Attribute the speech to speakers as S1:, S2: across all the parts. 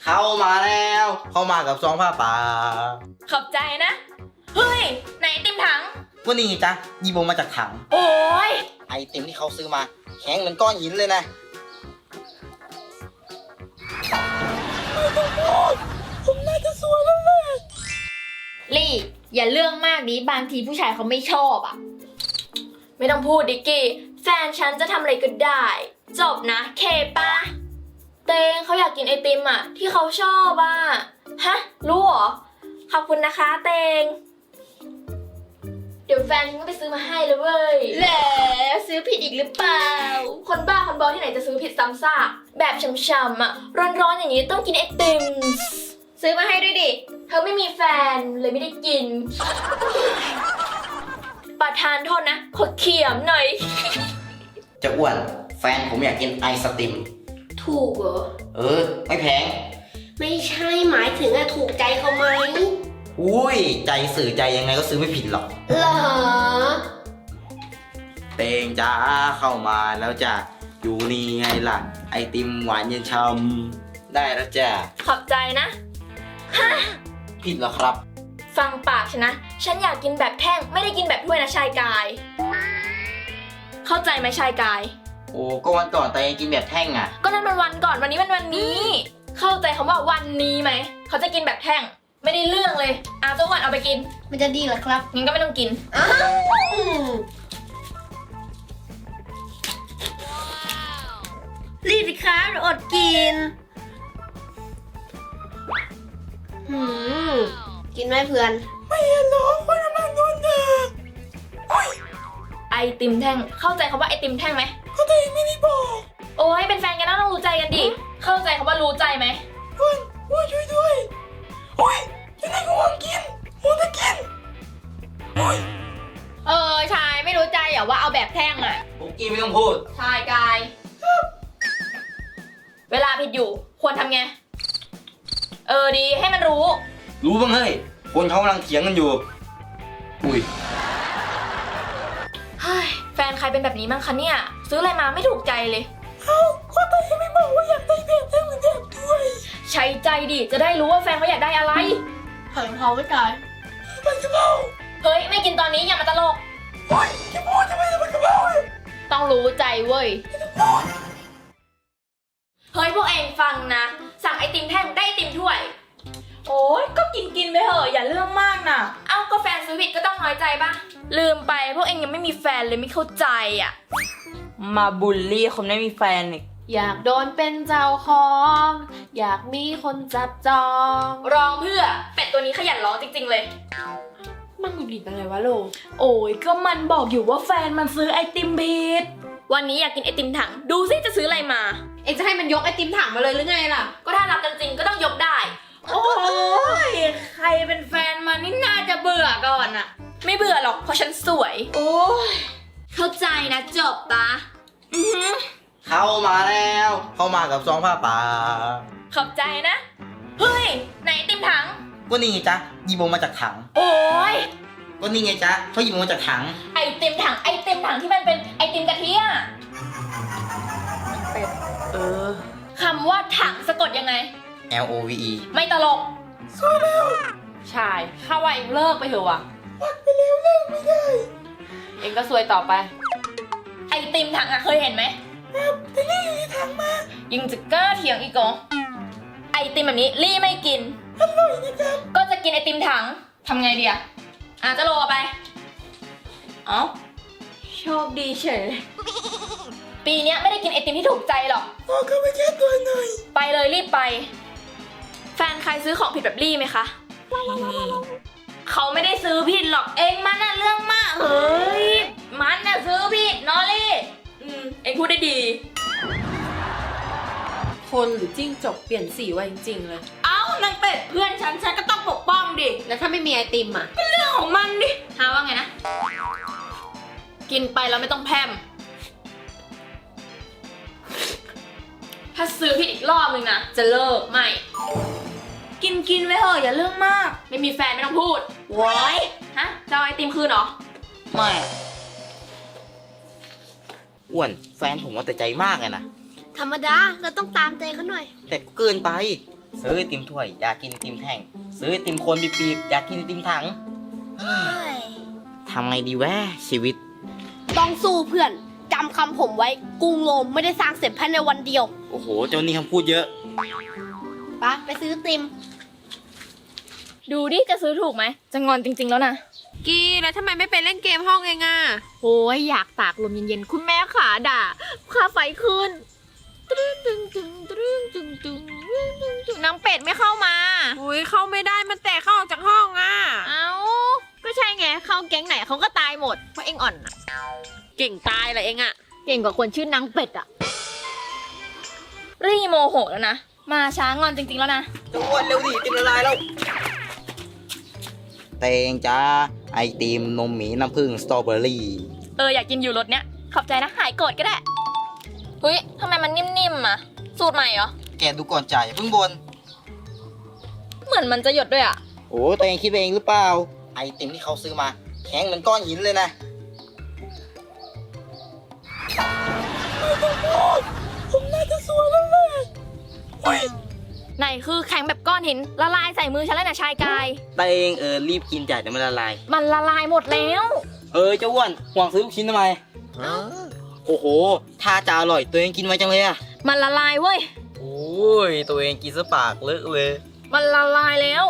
S1: เข้ามาแล้วเข้ามากับซองผ้าป่า
S2: ขอบใจนะเฮ้ยไหนไอติมถัง
S1: ก็นี่ไงจ๊ะยีโบมาจากถัง
S2: โอ้ย
S1: ไอติมที่เขาซื้อมาแข็งเหมือนก้อนหินเลยนะผมน่าจะสวยแล้วแหละ
S2: ลี่อย่าเรื่องมากดิบางทีผู้ชายเขาไม่ชอบอ่ะไม่ต้องพูดดิกกี้แฟนฉันจะทำอะไรก็ได้จบนะเคปะเตงเขาอยากกินไอติมอ่ะที่เขาชอบอ่ะฮะรู้เหรอขอบคุณนะคะเตงเดี๋ยวแฟนฉันก็ไปซื้อมาให้เลยเว้ยแล้วซื้อผิดอีกหรือเปล่าคนบ้าคนบอที่ไหนจะซื้อผิดซ้ำซากแบบช่ำๆอ่ะร้อนๆอย่างนี้ต้องกินไอติมซื้อมาให้ด้วยดิเธอไม่มีแฟนเลยไม่ได้กินประทานโทษนะขอเขียมหน่อย
S1: จะอ้วนแฟนผมอยากกินไอศติม
S3: ถูกเหรอ
S1: ไม่แพง
S3: ไม่ใช่หมายถึงถูกใจเขาไหม
S1: อุ้ยใจสื่อใจยังไงก็ซื้อไม่ผิดหรอก
S3: เหรอ
S1: เตงจ้าเข้ามาแล้วจ้ะอยู่นี่ไงล่ะไอติมหวานเย็นช่ำได้แล้วจ้ะ
S2: ขอบใจนะฮะ
S1: ผิดเหรอครับ
S2: ฟังปากฉันนะฉันอยากกินแบบแท่งไม่ได้กินแบบถ้วยนะชายกายเข้าใจไหมชายกาย
S1: โอ้ก็วันก่อนเตงกินแบบแท่งอ่ะ
S2: ก็นั่นมันวันก่อนวันนี้มันวันนี้เข้าใจคำว่าวันนี้ไหมเขาจะกินแบบแท่งไม่ได้เรื่องเลยตัวก่อนเอาไปกิน
S3: มันจะดีเหรอครับ
S2: งั้นก็ไม่ต้องกิน
S3: รีบสิครับอดกินกินไหมเพื่อน
S1: ไม่เห็นหรอคนกำลังนอนเด็ก
S2: ไอติมแท่งเข้าใจคำว่าไอติมแท่งไหม
S1: เข้าใจไม่ได้บอก
S2: โอ้ยเป็นแฟนกันต้องรู้ใจกันดิเข้าใจคำว่ารู้ใจไหม
S1: ว่าช่วยด้วยโอ้ยจะได้ก็หวังกินโอ้จะกิน
S2: ชายไม่รู้ใจเหรอว่าเอาแบบแท่งอ่ะ
S1: ผมกินไม่ต้องพูด
S2: ชายกายเวลาผิดอยู่ควรทำไงดีให้มันรู้
S1: บ้างเฮ้ยคนเขากำลังเถียงกันอยู่อุ้ย
S2: แฟนใครเป็นแบบนี้บ้างคะเนี่ยซื้ออะไรมาไม่ถูกใจเลย
S1: ก็แต่ไม่บอกว่าอยากได้แบบแท่งเหมือนแบบด้วย
S2: ใช้ใจดิจะได้รู้ว่าแฟนเขาอยากได้อะไร
S3: ผัดกะเพราไม่กาย
S1: ผัดกะเพรา
S2: เฮ้ยไม่กินตอนนี้อย่ามาตลก
S1: โอ๊ยจะพูดจะไม่ผัดกะเพรา
S2: ต้องรู้ใจเว้ยเฮ้ยพวกเองฟังนะสั่งไอติมแท่งได้ไอติมถ้วยโอ้ยก็กินไปเถอะอย่าเรื่องมากนะก็แฟนซื้อผิดก็ต้องน้อยใจป่ะลืมไปพวกเองยังไม่มีแฟนเลยไม่เข้าใจอ่ะ
S4: มาบูลลี่คนไม่มีแฟนอีก
S2: อยากโดนเป็นเจ้าของอยากมีคนจับจองร้องเพื่อเป็ดตัวนี้ขยันร้องจริงๆเลย
S4: มันหงุดหงิดอะไรวะโล
S2: โอ้ยก็มันบอกอยู่ว่าแฟนมันซื้อไอติมผิดวันนี้อยากกินไอติมถังดูซิจะซื้ออะไรมา
S4: เองจะให้มันยกไอติมถังมาเลยหรือไงล่ะ
S2: ก็ถ้ารักกันจริงก็ต้องยกได้โอ้ยใครเป็นแฟนมันนี่น่าจะเบื่อก่อนอะไม่เบื่อหรอกเพราะฉันสวยโอ้ยเข้าใจนะจบปะ
S1: เข้ามาแล้วเข้ามากับซองผ้าป่า
S2: ขอบใจนะเฮ้ยไหนไอติมถัง
S1: ก็นี่ไงจ๊ะยีโบมาจากถัง
S2: โอ้ย
S1: ก็นี่ไงจ๊ะเขาหยิบมาจากถัง
S2: ไอติมถังที่มันเป็นไอติมกะทิอะคำว่าถังสะกดยังไง
S1: LOVE
S2: ไม่ตลก
S1: สวยแล้ว
S4: ชายข้าว่าเองเลิกไปเถอะว่ะ
S1: วัดไปแล้วเลิกไม่ได้
S4: เองก็ซวยต่อไป
S2: ไอติมถังอะเคยเห็นไหม
S1: ครับแต่ลี่อยู่ในถังมา
S2: ยังจะกล้าเถียงอีกเหรอไอติมแบบนี้ลี่ไม่กิน
S1: อร่อยนะครับ
S2: ก็จะกินไอติมถังทำไงดีอะจะโลไปโชคดีเฉยปีนี้ไม่ได้กินไอติมที่ถูกใจหรอก
S1: เข้าไปแค่ตัวหน่อย
S2: ไปเลยรีบไปแฟนใครซื้อของผิดแบบลี่ไหมคะเขาไม่ได้ซื้อผิดหรอกเองมันน่ะเรื่องมากเฮ้ยมันน่ะซื้อผิดนอลี่เองพูดได้ดี
S4: คนหรือจิ้งจกเปลี่ยนสีไว้จริงๆเลย
S2: นางเป็ดเพื่อนฉันก็ต้องปกป้องดิ
S4: แล้วถ้าไม่มีไอติมอะ
S2: ก็เรื่องของมันดิหาว่าไงนะกินไปแล้วไม่ต้องแพมถ้าซื้อผิดอีกรอบนึงนะจะเลิกไม่กินไว้เถอะอย่าเรื่องมากไม่มีแฟนไม่ต้องพูดโว้ยจะเอาไอติมคืนเหรอ
S1: ไม่อ้วนแฟนผมว่าแต่ใจมากเลยนะ
S3: ธรรมดาเราต้องตามใจเขาหน่อย
S1: แต่เกินไปซื้อไอติมถ้วยอยากกินไอติมแท่งซื้อไอติมโคนปีบๆอยากกินไอติมถังทำไงดีวะชีวิต
S3: ต้องสู้เพื่อนจำคำผมไว้กรุงโรมไม่ได้สร้างเสร็จภายในวันเดียว
S1: โอ้โห เจ้านี่คำพูดเยอะ
S3: ไปซื้อติม
S2: ดูดิจะซื้อถูกไหมจะงอนจริงๆแล้วนะ
S4: กี้แล้วทำไมไม่ไปเล่นเกมห้องเองอ่ะ
S2: โอ้ยอยากตากลมเย็นๆคุณแม่ขาด่าค่าไฟขึ้นนางเป็ดไม่เข้ามา
S4: อุ้ยเข้าไม่ได้มันแตะเข้าออกจากห้องอ่ะ
S2: เอ้าก็ใช่ไงเข้าแก๊งไหนเขาก็ตายหมดเพราะเองอ่อนน่ะ
S4: เก่งตายเหรอเองอ่ะ
S2: เก่งกว่าคนชื่อนางเป็ดอะรีโมโหแล้วนะมาช้างอนจริงๆแล้วนะ
S1: จะอ้วนเร็วดิติมละลายแล้วเตงจ้าไอติมนมหมีน้ำผึ้งสตรอเบอรี่
S2: อยากกินอยู่รสเนี้ยขอบใจนะหายโกรธก็ได้เฮ้ยทำไมมันนิ่มๆอะสูตรใหม่เหรอ
S1: แกดูก่อนจ่ายอย่าเพิ่งบน
S2: เหมือนมันจะหยดด้วยอะ
S1: โอ้ตัวเองคิดไปเองหรือเปล่า ไอติมที่เขาซื้อมา แข็งเหมือนก้อนหินเลยนะ
S2: ไหนคือแข็งแบบก้อนหินละลายใส่มือฉันแล้วนะชายกาย
S1: เตงรีบกินจ่ายเดี๋ยวมันละลาย
S2: มันละลายหมดแล้ว
S1: เจ้าอ้วนห่วงซื้อลูกชิ้นทำไม โอ้โหถ้าจะอร่อยตัวเองกินไว้จังเลยอะ
S2: มันละลายเว้ย
S1: โอ้ยตัวเองกินซะปากเลอะเลย
S2: มันละลายแล้ว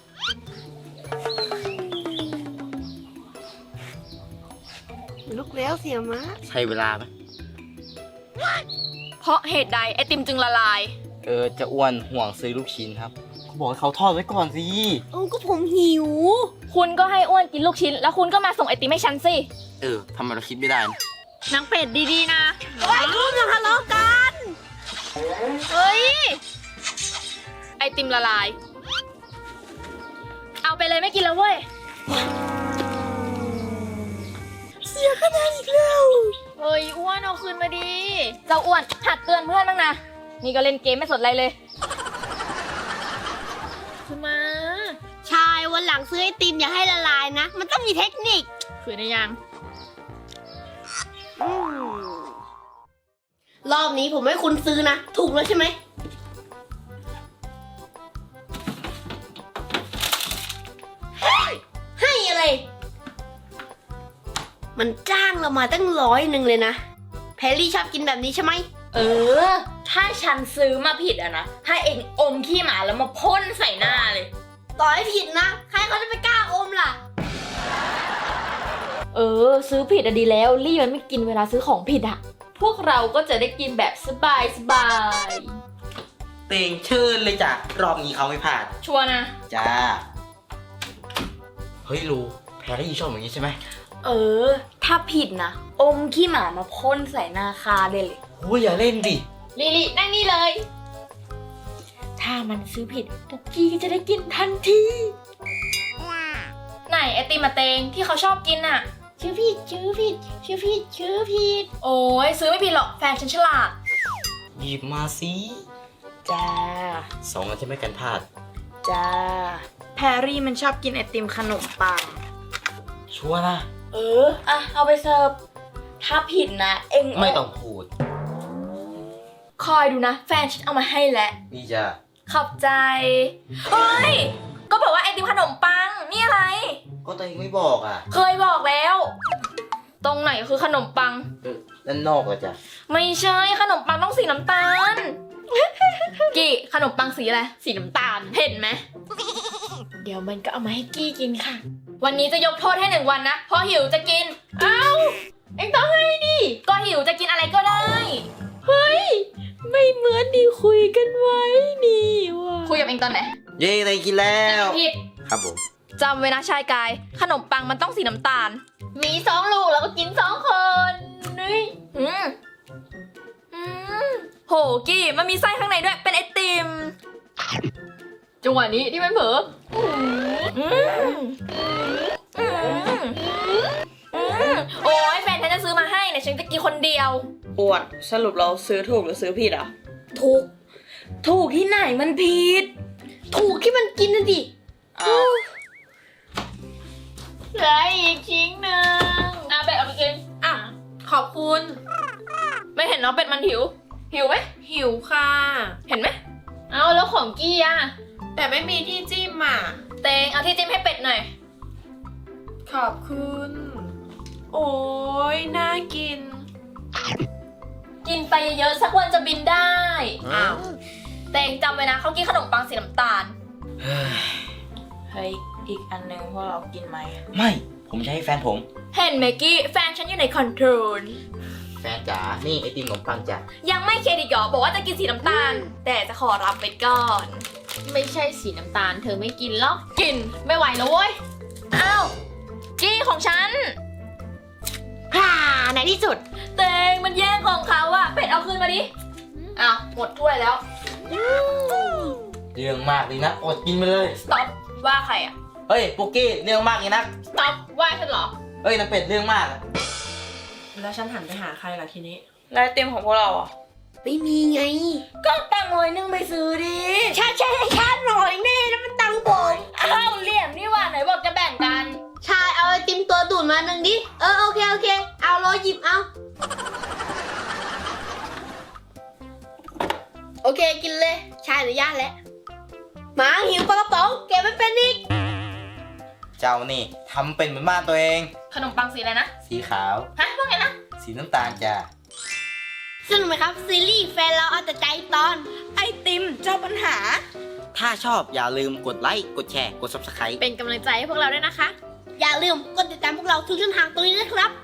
S3: ลุกแล้วเสียม้า
S1: ใช้เวลาไหม
S2: เพราะเหตุใดไอติมจึงละลาย
S1: จะอ้วนห่วงซื้อลูกชิ้นครับเขาบอกให้เขาทอดไว้ก่อนสิ
S3: ก็ผมหิว
S2: คุณก็ให้อ้วนกินลูกชิ้น แล้วคุณก็มาส่งไอติมให้ฉันสิ
S1: ทำไมเราคิดไม่ได้นะ
S2: นางเป็ดดีๆนะ
S3: ไอ้ลูกอย่าทะเลาะกัน
S2: เฮ้ย ไอติมละลาย เอาไปเลยไม่กินแล้วเว้ย
S3: เสียคะแนนอีกแล้ว
S2: เฮ้ยอ้วนเอาคืนมาดี เจ้าอ้วนหัดเตือนเพื่อนบ้างนะ นี่ก็เล่นเกมไม่สนอะไรเลยคือมา
S3: ชายวันหลังซื้อไอติมอย่าให้ละลายนะ มันต้องมีเทคนิค
S2: คืนได้ยัง
S3: รอบนี้ผมให้คุณซื้อนะ ถูกแล้วใช่ไหมให้อะไร มันจ้างเรามาตั้ง100เลยนะ แพรรี่ชอบกินแบบนี้ใช่ไหม
S2: ถ้าฉันซื้อมาผิดอะนะ ให้เองอมขี้หมาแล้วมาพ่นใส่หน้าเลย
S3: ต่อให้ผิดนะ ใครเขาจะไปกล้าอมล่ะ
S2: ซื้อผิดอะดีแล้วรี่มันไม่กินเวลาซื้อของผิดอะพวกเราก็จะได้กินแบบสบาย
S1: เตงเชิญเลยจ้ะรอบนี้เขาไม่พลาด
S2: ชัวร์นะ
S1: จ้า เฮ้ยลูแพรรี่ชอบอย่างนี้ใช่ไหม
S2: ถ้าผิดนะ อมขี้หมามาพ่นใส่หน้าคาได้เลย
S1: โอ้ยอย่าเล่นดิ
S2: ลินั่งนี่เลย ถ้ามันซื้อผิดปุกกี้ก็จะได้กินทันที ไหนไอติมมาเตงที่เขาชอบกินอะชื่อผิด โอ้ยซื้อไม่ผิดหรอกแฟนฉันฉลาด
S1: หยิบมาสิ
S2: จ้า
S1: 2อันจะไม่กันพลาด
S2: จ้า แพรรี่มันชอบกินไอติมขนมปัง
S1: ชัวร์นะ
S2: เอาไปเสิร์ฟ ถ้าผิดนะ เอ็ง
S1: ไม่ต้องพูด
S2: คอยดูนะ แฟนฉันเอามาให้แล้ว
S1: นี่จ้ะ
S2: ขอบใจ เฮ้ย ก็บอกว่าไอติมขนมปัง นี่อะไร
S1: ก็ตัวเองไม่บอกอ่ะ
S2: เคยบอกแล้ว ตรงไหนคือขนมปัง
S1: ด้านนอกอะจ้ะ
S2: ไม่ใช่ขนมปังต้องสีน้ำตาล กี้ขนมปังสีอะไร สีน้ำตาล เห็นไหม เดี๋ยวมันก็เอามาให้กี้กินค่ะ วันนี้จะยกโทษให้1 วันนะเพราะหิวจะกิน เอ้า เอ็งต้องให้ดิ ก็หิวจะกินอะไรก็ได้ เฮ้ย ไม่เหมือนที่คุยกันไว้นี่ว่ะคุยกับเอ็งตอนไหน
S1: เย้เตงกินแล้ว
S2: ผิด
S1: ครับผม
S2: จำไว้นะชายกาย ขนมปังมันต้องสีน้ำตาล มี2 ลูกแล้วก็กิน2 คนนี่โหกี้มันมีไส้ข้างในด้วยเป็นไอติมจังหวะนี้ที่มันเผลอโอ้ยแฟนฉันจะซื้อมาให้เนี่ยฉันจะกินคนเดียว
S4: อ้วนสรุปเราซื้อถูกหรือซื้อผิดอ่ะ
S2: ถูกที่ไหนมันผิด
S3: ถูกที่มันกินนะดิ
S2: เหลืออีกชิ้นหนึ่งแบะเอาไปกิน
S4: ขอบคุณ
S2: ไม่เห็นเนาะเป็ดมันหิวไหม
S4: หิวค่ะ
S2: เห็นไหมเอาแล้วของกี้อะ
S4: แต่ไม่มีที่จิ้มอ่ะ
S2: เตงเอาที่จิ้มให้เป็ดหน่อย
S4: ขอบคุณ โอ้ยน่ากิน
S2: กินไปเยอะๆสักวันจะบินได้
S4: อ้าว
S2: เตงจำไว้นะเขากินขนมปังสีน้ำตาล
S4: เฮ้ย อีกอันนึงพวกเรากินไหม
S1: ไม่ ผมจะให้แฟนผม
S2: เห็นไหมกี้แฟนฉันอยู่ในคอนโทรล
S1: แฟนจ๋า นี่ไอติมขนมปังจ้ะ
S2: ยังไม่เครดิตหรอบอกว่าจะกินสีน้ำตาล แต่จะขอรับไปก่อน
S5: ไม่ใช่สีน้ำตาลเธอไม่กินหรอก
S2: กินไม่ไหวแล้วเว้ย อ้าว กี้ของฉัน
S5: ฮ่าในที่สุด
S2: เตงมันแย่งของเขาอะเป็ดเอาคืนมาดิ อ้าวหมดถ้วยแล้ว
S1: เรื่องมากเลยนะ อดกินไปเลย
S2: สต็อปว่าใครอะ
S1: เฮ้ยปุกกี้เรื่องมากเลยนะ
S2: สต็อปว่าฉันเหรอ
S1: เฮ้ยน้ำเป็ดเรื่องมากอะ
S4: แล้วฉันหันไปหาใครล่ะทีนี้ แล้วไอติมของพวกเราอ่ะ
S3: ไม่มีไง
S2: ก็ตังค์100ไปซื้อดิ
S3: ชาหน่อยแน่แล้วมันตังค์ผม
S2: อ้าวเหลี่ยมนี่หว่าไหนบอกจะแบ่งกัน
S3: ชายเอาไอติมตัวดูดมาหนึ่งดิ โอเค เอารอหยิบเอา โอเคกินเลย ชายอนุญาตแล้วหมาหิวปลากระป๋องเก็บไม่เป็นอีก
S1: เจ้านี่ทำเป็นเหมือนบ้านตัวเอง
S2: ขนมปังสีอะไรนะ
S1: สีขาว
S2: ฮะว่าไงนะ
S1: สีน้ำตาลจ้ะ
S3: สนุกไหมครับซีรีส์แฟนเราเอาแต่ใจตอน
S4: ไอติมเจ้าปัญหา
S1: ถ้าชอบอย่าลืมกดไลค์ กดแชร์ กด subscribe
S5: เป็นกำลังใจให้พวกเราด้วยนะคะ
S3: อย่าลืมกดติดตามพวกเราทุกช่องทางตรงนี้นะครับ